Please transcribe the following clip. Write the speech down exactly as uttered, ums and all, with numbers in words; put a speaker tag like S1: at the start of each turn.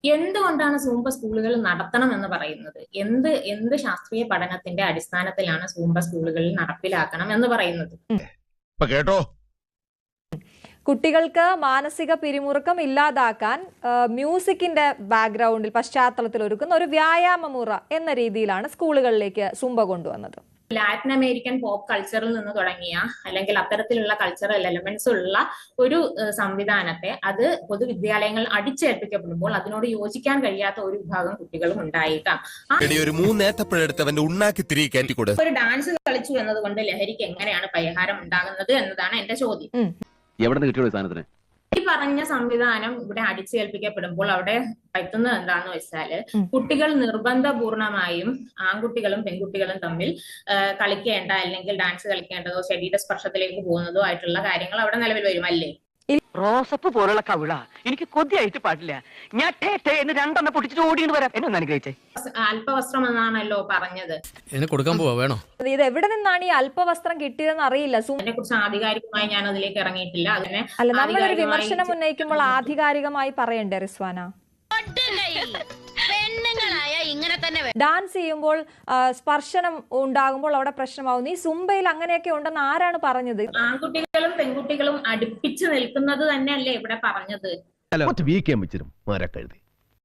S1: എന്തുകൊണ്ടാണ് സൂംബ സ്കൂളുകൾ നടത്തണം എന്ന് പറയുന്നത്? എന്ത് എന്ത് ശാസ്ത്രീയ പഠനത്തിന്റെ അടിസ്ഥാനത്തിലാണ് സൂംബ സ്കൂളുകളിൽ നടപ്പിലാക്കണം എന്ന് പറയുന്നത്?
S2: കേട്ടോ,
S3: കുട്ടികൾക്ക് മാനസിക പിരിമുറുക്കം ഇല്ലാതാക്കാൻ മ്യൂസിക്കിന്റെ ബാക്ക്ഗ്രൗണ്ടിൽ പശ്ചാത്തലത്തിൽ ഒരുക്കുന്ന ഒരു വ്യായാമമുറ എന്ന രീതിയിലാണ് സ്കൂളുകളിലേക്ക് സൂംബ കൊണ്ടുവന്നത്.
S1: ലാറ്റിൻ അമേരിക്കൻ പോപ്പ് കൾച്ചറിൽ നിന്ന് തുടങ്ങിയ അല്ലെങ്കിൽ അത്തരത്തിലുള്ള കൾച്ചറൽ എലമെന്റ്സ് ഉള്ള ഒരു സംവിധാനത്തെ അത് പൊതുവിദ്യാലയങ്ങൾ അടിച്ചേൽപ്പിക്കപ്പെടുമ്പോൾ അതിനോട് യോജിക്കാൻ കഴിയാത്ത ഒരു വിഭാഗം കുട്ടികളും ഉണ്ടായേക്കാം. ഒരു ഡാൻസ് കളിച്ചു എന്നതുകൊണ്ട് ലഹരിക്ക് എങ്ങനെയാണ് പരിഹാരം ഉണ്ടാകുന്നത് എന്നതാണ് എന്റെ ചോദ്യം. ഈ പറഞ്ഞ സംവിധാനം ഇവിടെ അടിച്ചേൽപ്പിക്കപ്പെടുമ്പോൾ അവിടെ പറ്റുന്നത് എന്താന്ന് വെച്ചാല് കുട്ടികൾ നിർബന്ധപൂർണമായും ആൺകുട്ടികളും പെൺകുട്ടികളും തമ്മിൽ കളിക്കേണ്ട അല്ലെങ്കിൽ ഡാൻസ് കളിക്കേണ്ടതോ ശരീര സ്പർശത്തിലേക്ക് പോകുന്നതോ ആയിട്ടുള്ള കാര്യങ്ങൾ അവിടെ നിലവിൽ വരും അല്ലേ?
S4: റോസപ്പ് പോലുള്ള കവിള എനിക്ക് കൊതിയായിട്ട് പാടില്ല. ഞാൻ എന്ന് രണ്ടെണ്ണം പൊട്ടിച്ചിട്ട് ഓടിയിട്ട് വരാം. എന്നെ അനുഗ്രഹിച്ചേ.
S1: അല്പവസ്ത്രം എന്നാണല്ലോ പറഞ്ഞത്.
S5: കൊടുക്കാൻ പോവാ വേണോ?
S3: ഇത് എവിടെ നിന്നാണ് ഈ അല്പവസ്ത്രം കിട്ടിയതെന്ന് അറിയില്ല.
S1: അതിനെ കുറിച്ച് ആധികാരികമായി ഞാൻ അതിലേക്ക് ഇറങ്ങിയിട്ടില്ല. അതിനെ
S3: അല്ല, നമ്മളൊരു വിമർശനം ഉന്നയിക്കുമ്പോൾ ആധികാരികമായി പറയണ്ടേ റിസ്വാന? ഡാൻസ് ചെയ്യുമ്പോൾ സ്പർശനം ഉണ്ടാകുമ്പോൾ അവിടെ പ്രശ്നമാവുന്നു. ഈ സുംബയിൽ അങ്ങനെയൊക്കെ ഉണ്ടെന്ന് ആരാണ് പറഞ്ഞത്?
S1: ആൺകുട്ടികളും പെൺകുട്ടികളും അടുപ്പിച്ച് നിൽക്കുന്നത് തന്നെയല്ലേ ഇവിടെ പറഞ്ഞത്?